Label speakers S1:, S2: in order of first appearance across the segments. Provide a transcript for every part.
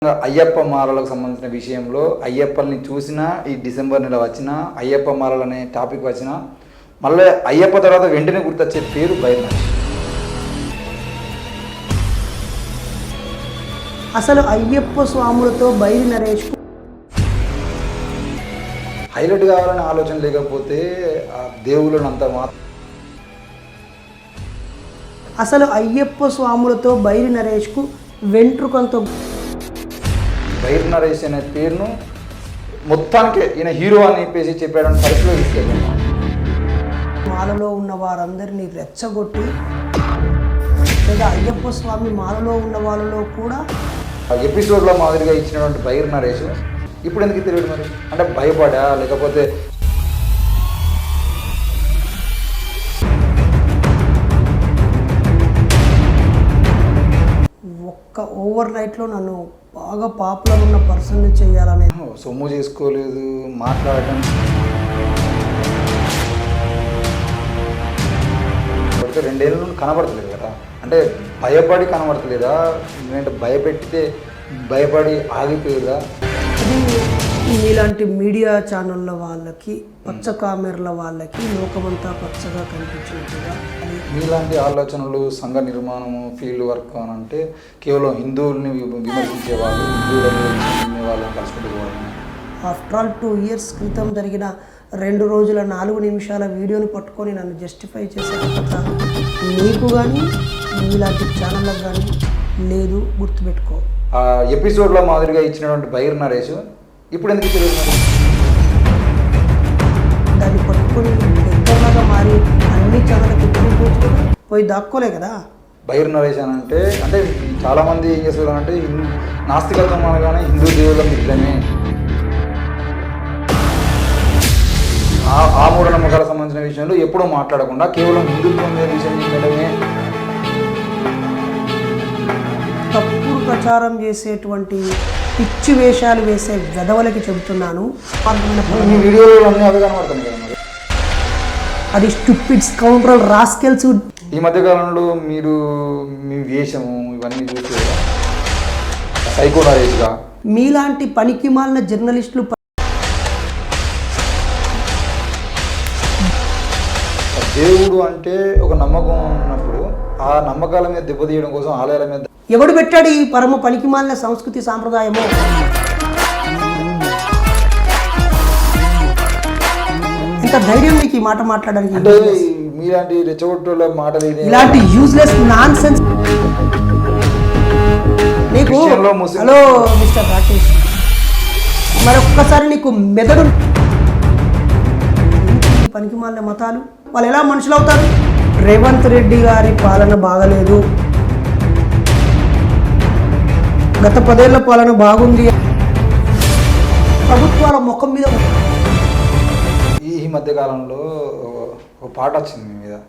S1: అయ్యప్ప మాలలకు సంబంధించిన విషయంలో అయ్యప్పల్ని చూసినా ఈ డిసెంబర్ నెల వచ్చినా అయ్యప్ప మాలలు అనే టాపిక్ వచ్చినా మళ్ళీ అయ్యప్ప తర్వాత వెంటనే గుర్తొచ్చే పేరు బైరినరేష్.
S2: అసలు అయ్యప్ప స్వాములతో బైరినరేష్
S1: హైలైట్ కావాలనే ఆలోచన లేకపోతే ఆ దేవుళ్ళని అంత
S2: అసలు అయ్యప్ప స్వాములతో బైరినరేష్కు వెంట్రుకంతో
S1: బైరినరేష్ అనే పేరును మొత్తానికి ఈయన హీరో అని చెప్పేసి చెప్పాడని పరిస్థితిలో తీసుకెళ్ళాను.
S2: మాలలో ఉన్న వారందరినీ రెచ్చగొట్టి లేదా అయ్యప్ప స్వామి మాలలో ఉన్న వాళ్ళలో కూడా
S1: ఎపిసోడ్లో మాదిరిగా ఇచ్చినటువంటి బైరినరేష్ ఇప్పుడు ఎందుకు తెలియదు మరి? అంటే భయపడా లేకపోతే
S2: ఒక్క ఓవర్ నైట్లో నన్ను బాగా పాపులర్ ఉన్న పర్సన్ని చేయాలనే
S1: సొమ్ము చేసుకోలేదు మాట్లాడటం పడితే 2 ఏళ్ళ నుండి కనబడతలేదు కదా. అంటే భయపడి కనబడతలేదా లేదంటే భయపెట్టితే భయపడి ఆగిపోయేదా?
S2: ఇది మీలాంటి మీడియా ఛానళ్ళ వాళ్ళకి పచ్చ కామెర్ల వాళ్ళకి లోకమంతా పచ్చగా కనిపించినట్టుగా
S1: మీలాంటి ఆలోచనలు సంఘ నిర్మాణము ఫీల్డ్ వర్క్ అని అంటే కేవలం హిందువుల్ని విమర్శించే వాళ్ళు హిందువులని వాళ్ళని కలుసుకుంటుకోవడం.
S2: ఆఫ్టర్ ఆల్ 2 years క్రితం జరిగిన 2 రోజుల 4 నిమిషాల వీడియోని పట్టుకొని నన్ను జస్టిఫై చేసే కథ నీకు కానీ మీలాంటి ఛానళ్ళకు కానీ లేదు, గుర్తుపెట్టుకో.
S1: ఆ ఎపిసోడ్లో మాదిరిగా ఇచ్చినటువంటి బైరినరేష్ ఇప్పుడు ఎందుకు తెలియదు మరి?
S2: దాన్ని పట్టుకొని దగ్గరలాగా మారి అన్ని ఛానళ్ళకి పోయి దాక్కోలే కదా.
S1: బైరినరేష్ అని అంటే చాలామంది ఏం చేస్తారు అంటే నాస్తికత్వం అనగానే హిందూ దేవుళ్ళ మిత్రమే, ఆ మూఢనమ్మకాలకు సంబంధించిన విషయంలో ఎప్పుడూ మాట్లాడకుండా కేవలం హిందుత్వం మీద విషయం చెప్పడమే.
S2: తప్పుడు ప్రచారం చేసేటువంటి పిచ్చి వేషాలు వేసే వెధవలకి చెబుతున్నాను.
S1: మీ వీడియోలో అన్నీ అవి కనబడుతుంది కదా మరి.
S2: అది స్టూపిడ్ స్కౌండ్రల్ రాస్కెల్స్.
S1: ఈ మధ్యకాలంలో మీరు మీ వేషము ఇవన్నీ చూసి సైకో నరేష్గా
S2: మీలాంటి పనికి మాలిన జర్నలిస్టులు
S1: దేవుడు అంటే ఒక నమ్మకం ఉన్నప్పుడు ఆ నమ్మకాల మీద దెబ్బతీయడం కోసం ఆలయాల మీద
S2: ఎవడు పెట్టాడు ఈ పరమ పనికి మాలిన సంస్కృతి సాంప్రదాయము? ఇంత ధైర్యం మీకు ఈ మాట మాట్లాడడానికి?
S1: అంటే మీలాంటి రెచ్చగొట్టుల మాటలు
S2: ఇలాంటి యూజ్లెస్ నాన్ సెన్స్ నీకు. హలో మిస్టర్ రాకేష్, మరొక్కసారి నీకు మెదడు పనికి మాలిన మతాలు వాళ్ళు ఎలా మనుషులు అవుతారు? రేవంత్ రెడ్డి గారి పాలన బాగలేదు, గత 10 ఏళ్ల పాలన బాగుంది, ప్రభుత్వాల ముఖం మీద.
S1: ఈ మధ్యకాలంలో ఒక పాట వచ్చింది మీ మీద,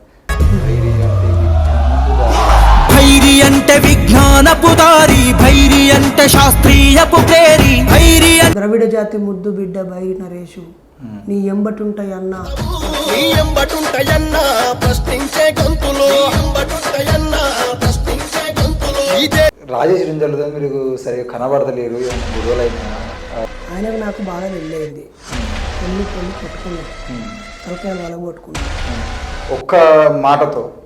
S3: భైరి అంటే విజ్ఞానపు దారి, భైరి అంటే శాస్త్రీయపు ప్రేరి, భైరి
S2: ద్రవిడ జాతి ముద్దు బిడ్డ బైరినరేషు నీ ఎంబటుంటాయన్నా,
S3: నీ ఎంబటుంటాయన్నా ప్రశ్నించే గొంతులు, ఎంబటుంటాయన్నా ప్రశ్నించే గొంతులు.
S1: రాజేష్ రింజల్తో మీరు సరిగా కనబడతలేరు, గొడవలైనా
S2: ఆయనకు నాకు బాగా వెళ్ళేది. పెళ్ళి కొట్టుకున్నాను, తలకాయలు వాళ్ళ కొట్టుకున్నాను.
S1: ఒక్క మాటతో